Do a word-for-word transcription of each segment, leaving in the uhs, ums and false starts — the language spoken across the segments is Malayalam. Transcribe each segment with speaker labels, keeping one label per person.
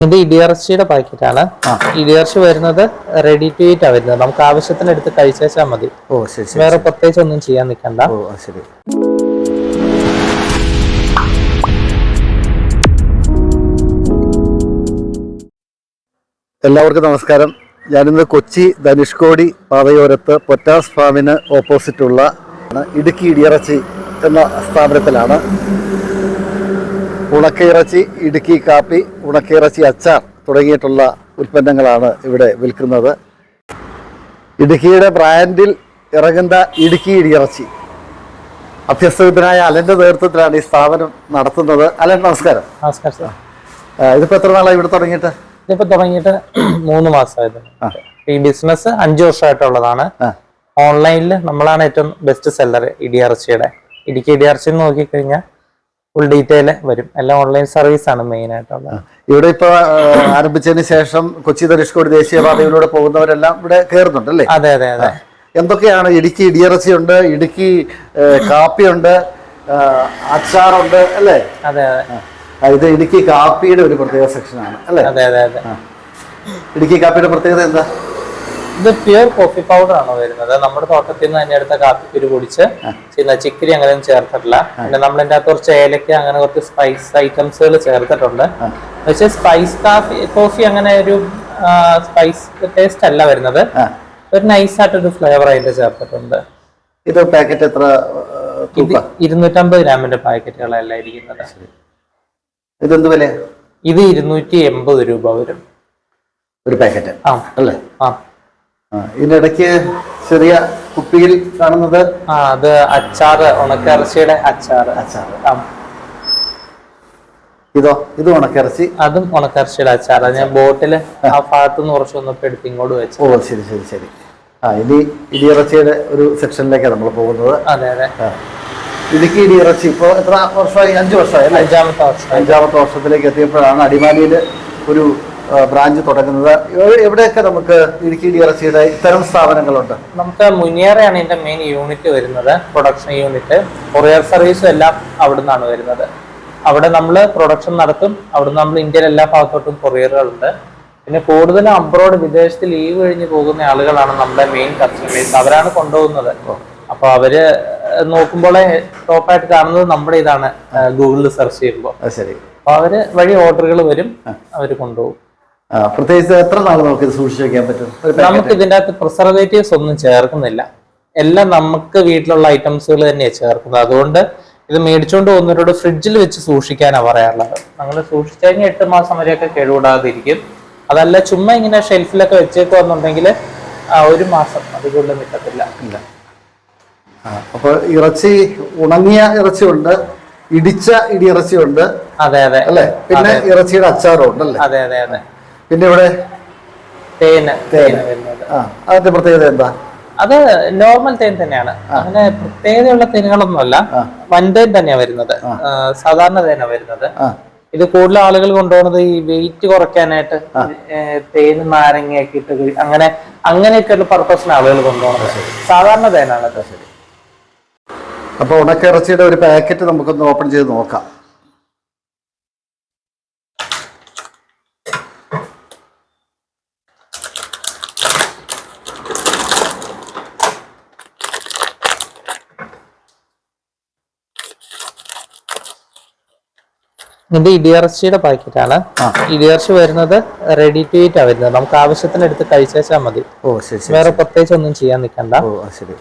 Speaker 1: ഇത് ഇടിയിറച്ചിയുടെ പാക്കറ്റാണ്. ഇടിയിറച്ചി വരുന്നത് റെഡി ടു ഈറ്റ് ആ വരുന്നത്. നമുക്ക് ആവശ്യത്തിന് എടുത്ത് കഴിച്ചാൽ മതി.
Speaker 2: ഓ ശരി.
Speaker 1: വേറെ പ്രത്യേകിച്ച് ഒന്നും ചെയ്യാൻ നിൽക്കണ്ട.
Speaker 2: ഓ ശരി. എല്ലാവർക്കും നമസ്കാരം. ഞാനിന്ന് കൊച്ചി ധനുഷ്കോടി പാതയോരത്ത് പൊറ്റാസ് ഫാമിന് ഓപ്പോസിറ്റുള്ള ഇടുക്കി ഇടിയിറച്ചി എന്ന സ്ഥാപനത്തിലാണ്. ഉണക്കയിറച്ചി, ഇടുക്കി കാപ്പി, ഉണക്കയിറച്ചി അച്ചാർ തുടങ്ങിയിട്ടുള്ള ഉൽപ്പന്നങ്ങളാണ് ഇവിടെ വിൽക്കുന്നത്. ഇടുക്കിയുടെ ബ്രാൻഡിൽ ഇറങ്ങുന്ന ഇടുക്കി ഇടിയിറച്ചി അഭ്യസ്തവിദ്യനായ അലന്റെ നേതൃത്വത്തിലാണ് ഈ സ്ഥാപനം നടത്തുന്നത്. അലൻ, നമസ്കാരം.
Speaker 1: നമസ്കാരം സാർ.
Speaker 2: ഇതിപ്പോ എത്ര നാളായി ഇവിടെ തുടങ്ങിയിട്ട്?
Speaker 1: ഇതിപ്പോ തുടങ്ങിയിട്ട് മൂന്ന് മാസമായത്. ഈ ബിസിനസ് അഞ്ചു വർഷമായിട്ടുള്ളതാണ്. ഓൺലൈനിൽ നമ്മളാണ് ഏറ്റവും ബെസ്റ്റ് സെല്ലർ ഇടിയിറച്ചിയുടെ. ഇടുക്കി ഇടിയിറച്ചി നോക്കിക്കഴിഞ്ഞാൽ ഫുൾ ഡീറ്റെയിൽ വരും. എല്ലാം ഓൺലൈൻ സർവീസ് ആണ് മെയിൻ ആയിട്ടുള്ളത്.
Speaker 2: ഇവിടെ ഇപ്പൊ ആരംഭിച്ചതിന് ശേഷം കൊച്ചി ധനുഷ്കോടി ദേശീയപാതയിലൂടെ പോകുന്നവരെല്ലാം ഇവിടെ കയറുന്നുണ്ട് അല്ലേ?
Speaker 1: അതെ അതെ അതെ.
Speaker 2: എന്തൊക്കെയാണ്? ഇടുക്കി ഇടിയിറച്ചി ഉണ്ട്, ഇടുക്കി കാപ്പിയുണ്ട്, അച്ചാറുണ്ട് അല്ലേ?
Speaker 1: അതെ അതെ.
Speaker 2: ഇത് ഇടുക്കി കാപ്പിയുടെ ഒരു പ്രത്യേക സെക്ഷനാണ് അല്ലേ?
Speaker 1: അതെ അതെ അതെ.
Speaker 2: ഇടുക്കി കാപ്പിയുടെ പ്രത്യേകത എന്താ?
Speaker 1: ഇത് പ്യുവർ കോഫി പൗഡർ ആണ് വരുന്നത്. നമ്മുടെ തോട്ടത്തിൽ നിന്ന് തന്നെ എടുത്ത കാപ്പിക്കുരു പൊടിച്ച് ചെയ്യുന്ന. ചിക്കരി അങ്ങനെയൊന്നും ചേർത്തിട്ടില്ല. പിന്നെ നമ്മളതിൻ്റെ അകത്ത് കുറച്ച് ഏലക്ക, അങ്ങനെ കുറച്ച് സ്പൈസ് ഐറ്റംസുകൾ ചേർത്തിട്ടുണ്ട്. പക്ഷെ സ്പൈസ് കാഫി കോഫി അങ്ങനെ ഒരു സ്പൈസ് ടേസ്റ്റ് അല്ല വരുന്നത്. ഒരു നൈസായിട്ടൊരു ഫ്ലേവർ അതിന്റെ ചേർത്തിട്ടുണ്ട്.
Speaker 2: ഇത് പാക്കറ്റ് എത്ര?
Speaker 1: ഇരുന്നൂറ്റമ്പത് ഗ്രാമിന്റെ പാക്കറ്റുകളല്ല ഇരിക്കുന്നത്.
Speaker 2: ഇതെന്ത് വില?
Speaker 1: ഇത് ഇരുന്നൂറ്റി എൺപത് രൂപ വരും
Speaker 2: ഒരു പാക്കറ്റ് അല്ലേ?
Speaker 1: ആ.
Speaker 2: ഇതിനിടയ്ക്ക് ചെറിയ കുപ്പിയിൽ കാണുന്നത്
Speaker 1: ആ അത് അച്ചാറ്, ഉണക്കിറച്ചിയുടെ അച്ചാറ്.
Speaker 2: അച്ചാറ്. ഇതോ? ഇത് ഉണക്കിറച്ചി.
Speaker 1: അതും ഉണക്കിറച്ചിയുടെ അച്ചാറ്. ഞാൻ ബോട്ടില് ആ ഭാഗത്തുനിന്ന് കുറച്ച് വന്നപ്പോ എടുത്ത് ഇങ്ങോട്ട് വെച്ചു.
Speaker 2: ഓ ശരി ശരി ശരി. ആ ഇനി ഇടിയിറച്ചിയുടെ ഒരു സെക്ഷനിലേക്കാണ് നമ്മൾ പോകുന്നത്.
Speaker 1: അതെ അതെ.
Speaker 2: ഇടുക്കി ഇടിയിറച്ചി ഇപ്പൊ എത്ര വർഷമായി? അഞ്ചു വർഷമായി അല്ലേ?
Speaker 1: അഞ്ചാമത്തെ വർഷം.
Speaker 2: അഞ്ചാമത്തെ വർഷത്തിലേക്ക് എത്തിയപ്പോഴാണ് അടിമാലിയിൽ ഒരു ബ്രാഞ്ച് തുടങ്ങുന്നത്. എവിടെയൊക്കെ നമുക്ക് ഇടുക്കി ഇടിയിറച്ചിയുടെ ഇത്തരം സ്ഥാപനങ്ങളുണ്ട്?
Speaker 1: നമുക്ക് മുനിയറയാണ് ഇതിന്റെ മെയിൻ യൂണിറ്റ് വരുന്നത്, പ്രൊഡക്ഷൻ യൂണിറ്റ്. കൊറിയർ സർവീസും എല്ലാം അവിടെ നിന്നാണ് വരുന്നത്. അവിടെ നമ്മൾ പ്രൊഡക്ഷൻ നടത്തും. അവിടെ നമ്മൾ ഇന്ത്യയിലെ എല്ലാ ഭാഗത്തോട്ടും കൊറിയറുകളുണ്ട്. പിന്നെ കൂടുതലും അബ്രോഡ്, വിദേശത്ത് ലീവ് കഴിഞ്ഞ് പോകുന്ന ആളുകളാണ് നമ്മുടെ മെയിൻ കസ്റ്റമേഴ്സ്. അവരാണ് കൊണ്ടുപോകുന്നത്. അപ്പൊ അവര് നോക്കുമ്പോഴേ ടോപ്പായിട്ട് കാണുന്നത് നമ്മുടെ ഇതാണ് ഗൂഗിളിൽ സെർച്ച് ചെയ്യുമ്പോൾ.
Speaker 2: ശരി.
Speaker 1: അപ്പൊ അവര് വഴി ഓർഡറുകൾ വരും, അവര് കൊണ്ടുപോകും.
Speaker 2: പ്രത്യേകിച്ച് എത്ര നാൾ നമുക്ക് ഇത് സൂക്ഷിച്ചു വെക്കാൻ പറ്റും?
Speaker 1: നമുക്ക് ഇതിന്റെ അകത്ത് പ്രിസർവേറ്റീവ്സ് ഒന്നും ചേർക്കുന്നില്ല. എല്ലാം നമുക്ക് വീട്ടിലുള്ള ഐറ്റംസുകൾ തന്നെയാണ് ചേർക്കുന്നത്. അതുകൊണ്ട് ഇത് മേടിച്ചുകൊണ്ട് പോകുന്നവരോട് ഫ്രിഡ്ജിൽ വെച്ച് സൂക്ഷിക്കാനാണ് പറയാറുള്ളത്. നമ്മൾ സൂക്ഷിച്ചു കഴിഞ്ഞാൽ എട്ട് മാസം വരെയൊക്കെ കേടുകൂടാതിരിക്കും. അതല്ല ചുമ്മാ ഇങ്ങനെ ഷെൽഫിലൊക്കെ വെച്ചേക്കുന്നുണ്ടെങ്കിൽ ഒരു മാസം അതുകൊണ്ട് നിൽക്കത്തില്ല.
Speaker 2: ഇല്ല. അപ്പൊ ഇറച്ചി, ഉണങ്ങിയ ഇറച്ചിയുണ്ട്, ഇടിച്ച ഇടിയിറച്ചിയുണ്ട്.
Speaker 1: അതെ അതെ
Speaker 2: അല്ലെ? പിന്നെ ഇറച്ചിയുടെ അച്ചാറും ഉണ്ട് അല്ലേ?
Speaker 1: അതെ അതെ അതെ.
Speaker 2: പിന്നെ ഇവിടെ
Speaker 1: തേന് തേന് വരുന്നത്.
Speaker 2: അതിന്റെ പ്രത്യേകത എന്താ?
Speaker 1: അത് നോർമൽ തേൻ തന്നെയാണ്. അങ്ങനെ പ്രത്യേകതയുള്ള തേനുകളൊന്നുമല്ല. വൻതേൻ തന്നെയാ വരുന്നത്. സാധാരണ തേനാ വരുന്നത്. ഇത് കൂടുതൽ ആളുകൾ കൊണ്ടുപോകുന്നത് ഈ വെയിറ്റ് കുറയ്ക്കാനായിട്ട് തേന് നാരങ്ങയൊക്കെ ഇട്ട് അങ്ങനെ അങ്ങനെയൊക്കെയുള്ള പർപ്പസിന് ആളുകൾ കൊണ്ടുപോകുന്നത്. സാധാരണ തേനാണ്. ശരി.
Speaker 2: അപ്പൊ ഉണക്ക ഇറച്ചിയുടെ ഒരു പാക്കറ്റ് നമുക്കൊന്ന് ഓപ്പൺ ചെയ്ത് നോക്കാം.
Speaker 1: ഇത് ഇടിയിറച്ചിയുടെ പാക്കറ്റാണ്. ഇടിയിറച്ചി വരുന്നത് റെഡി ടു ഈറ്റ് ആ വരുന്നത്. നമുക്ക് ആവശ്യത്തിന് എടുത്ത് കഴിച്ചാൽ മതി.
Speaker 2: ഓ ശരി.
Speaker 1: വേറെ പ്രത്യേകിച്ച് ഒന്നും ചെയ്യാൻ നിൽക്കണ്ട.
Speaker 2: ഓ ശരി.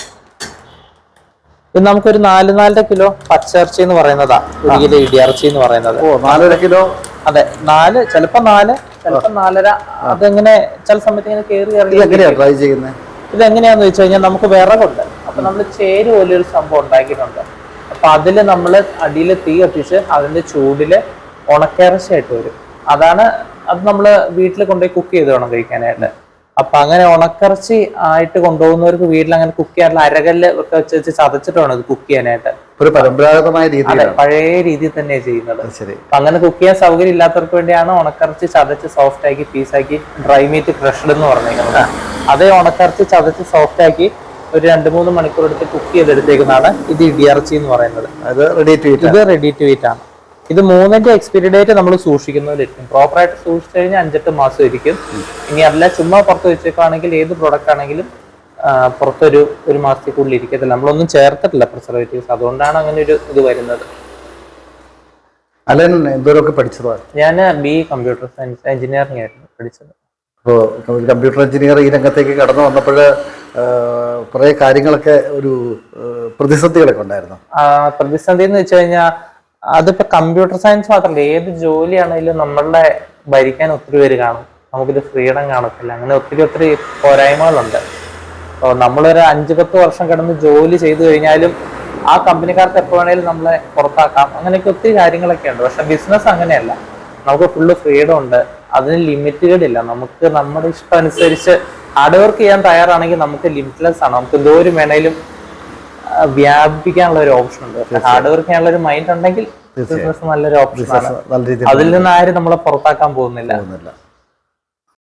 Speaker 1: ഇത് നമുക്കൊരു നാല് നാലര കിലോ പച്ചിറച്ചി എന്ന് പറയുന്നതാ ഒരു കിലോ ഇടിയിറച്ചി എന്ന് പറയുന്നത്.
Speaker 2: ഓ നാലര കിലോ.
Speaker 1: അതെ, നാല്, ചിലപ്പോ നാല്, ചിലപ്പോ നാലര. അതെങ്ങനെ ചില സമയത്ത് ഇങ്ങനെ കയറി
Speaker 2: എങ്ങനെയാ ട്രൈ ചെയ്യുന്നത്?
Speaker 1: ഇത് എങ്ങനെയാന്ന് വെച്ച് കഴിഞ്ഞാൽ നമുക്ക് വിറകുണ്ട്. അപ്പൊ നമ്മൾ ചേര് പോലെയൊരു സംഭവം ഉണ്ടാക്കിയിട്ടുണ്ട്. അപ്പൊ അതില് നമ്മള് അടിയിൽ തീ കത്തിച്ച് അതിന്റെ ചൂടില് ഉണക്കിറച്ചിയായിട്ട് വരും. അതാണ് അത് നമ്മള് വീട്ടിൽ കൊണ്ടുപോയി കുക്ക് ചെയ്ത് വേണം കഴിക്കാനായിട്ട്. അപ്പൊ അങ്ങനെ ഉണക്കിറച്ചി ആയിട്ട് കൊണ്ടുപോകുന്നവർക്ക് വീട്ടിൽ അങ്ങനെ കുക്ക് ചെയ്യാനുള്ള അരകല്ല് ഒക്കെ വെച്ച് വെച്ച് ചതച്ചിട്ട് വേണം ഇത് കുക്ക് ചെയ്യാനായിട്ട്.
Speaker 2: ഒരു പരമ്പരാഗതമായ രീതി,
Speaker 1: പഴയ രീതിയിൽ തന്നെയാണ് ചെയ്യുന്നത്. അപ്പൊ അങ്ങനെ കുക്ക് ചെയ്യാൻ സൗകര്യം ഇല്ലാത്തവർക്ക് വേണ്ടിയാണ് ഉണക്കിറച്ചി ചതച്ച് സോഫ്റ്റ് ആക്കി പീസാക്കി ഡ്രൈ മീറ്റ് ക്രഷ്ഡ് എന്ന് പറഞ്ഞിരിക്കുന്നത്. അതേ ഉണക്കിറച്ചി ചതച്ച് സോഫ്റ്റ് ആക്കി ഒരു രണ്ട് മൂന്ന് മണിക്കൂർ എടുത്ത് കുക്ക് ചെയ്തെടുത്തേക്കുന്നതാണ് ഇത് ഇടിയിറച്ചി എന്ന് പറയുന്നത്.
Speaker 2: ഇത് റെഡി ടു ഈറ്റ്.
Speaker 1: ഇത് റെഡി ടു ഈറ്റ് ആണ്. ഇത് മൂന്നിന്റെ എക്സ്പയറി ഡേറ്റ് നമ്മൾ സൂക്ഷിക്കുന്നതിലിരിക്കും. പ്രോപ്പറായിട്ട് സൂക്ഷിച്ചു കഴിഞ്ഞാൽ അഞ്ചെട്ട് മാസം ഇരിക്കും. ഇനി അല്ല ചുമ്മാ പുറത്ത് വെച്ചേക്കാണെങ്കിൽ ഏത് പ്രൊഡക്റ്റ് ആണെങ്കിലും പുറത്തൊരു ഒരു മാസത്തേക്കുള്ളിൽ ഇരിക്കത്തില്ല. നമ്മളൊന്നും ചേർത്തിട്ടില്ല പ്രിസർവേറ്റീവ്സ്, അതുകൊണ്ടാണ് അങ്ങനെ ഒരു ഇത് വരുന്നത്.
Speaker 2: അലൻ എന്തോരമൊക്കെ പഠിച്ചതോ?
Speaker 1: ഞാൻ ബി കമ്പ്യൂട്ടർ സയൻസ് എഞ്ചിനീയറിംഗ് ആയിരുന്നു പഠിച്ചത്.
Speaker 2: അപ്പോൾ കമ്പ്യൂട്ടർ എഞ്ചിനീയർ ഈ രംഗത്തേക്ക് കടന്നു വന്നപ്പോൾ കുറേ കാര്യങ്ങളൊക്കെ ഒരു പ്രതിസന്ധികളൊക്കെ ഉണ്ടായിരുന്നു.
Speaker 1: പ്രതിസന്ധി എന്ന് വെച്ച് കഴിഞ്ഞാൽ അതിപ്പോ കമ്പ്യൂട്ടർ സയൻസ് മാത്രമല്ല, ഏത് ജോലിയാണെങ്കിലും നമ്മളുടെ ഭരിക്കാൻ ഒത്തിരി പേര് കാണും, നമുക്കൊരു ഫ്രീഡം കാണത്തില്ല. അങ്ങനെ ഒത്തിരി ഒത്തിരി പോരായ്മകളുണ്ട്. അപ്പോൾ നമ്മളൊരു അഞ്ചു പത്ത് വർഷം കിടന്ന് ജോലി ചെയ്തു കഴിഞ്ഞാലും ആ കമ്പനിക്കാർക്ക് എപ്പോൾ വേണേലും നമ്മളെ പുറത്താക്കാം. അങ്ങനെയൊക്കെ ഒത്തിരി കാര്യങ്ങളൊക്കെ ഉണ്ട്. പക്ഷെ ബിസിനസ് അങ്ങനെയല്ല, നമുക്ക് ഫുള്ള് ഫ്രീഡം ഉണ്ട്, അതിന് ലിമിറ്റുകളില്ല. നമുക്ക് നമ്മുടെ ഇഷ്ടം അനുസരിച്ച് ഹാർഡ് വർക്ക് ചെയ്യാൻ തയ്യാറാണെങ്കിൽ നമുക്ക് ലിമിറ്റ്ലെസ് ആണ്. നമുക്ക് എന്തോരം വേണേലും വ്യാപിപ്പിക്കാനുള്ള ഒരു ഓപ്ഷൻ ഉണ്ട്. ഹാർഡ് വർക്ക് ചെയ്യാനുള്ള ഒരു മൈൻഡ് ഉണ്ടെങ്കിൽ ബിസിനസ് നല്ലൊരു ഓപ്ഷൻ ആണ്. അതിൽ നിന്ന് ആരും നമ്മളെ പുറത്താക്കാൻ പോകുന്നില്ല.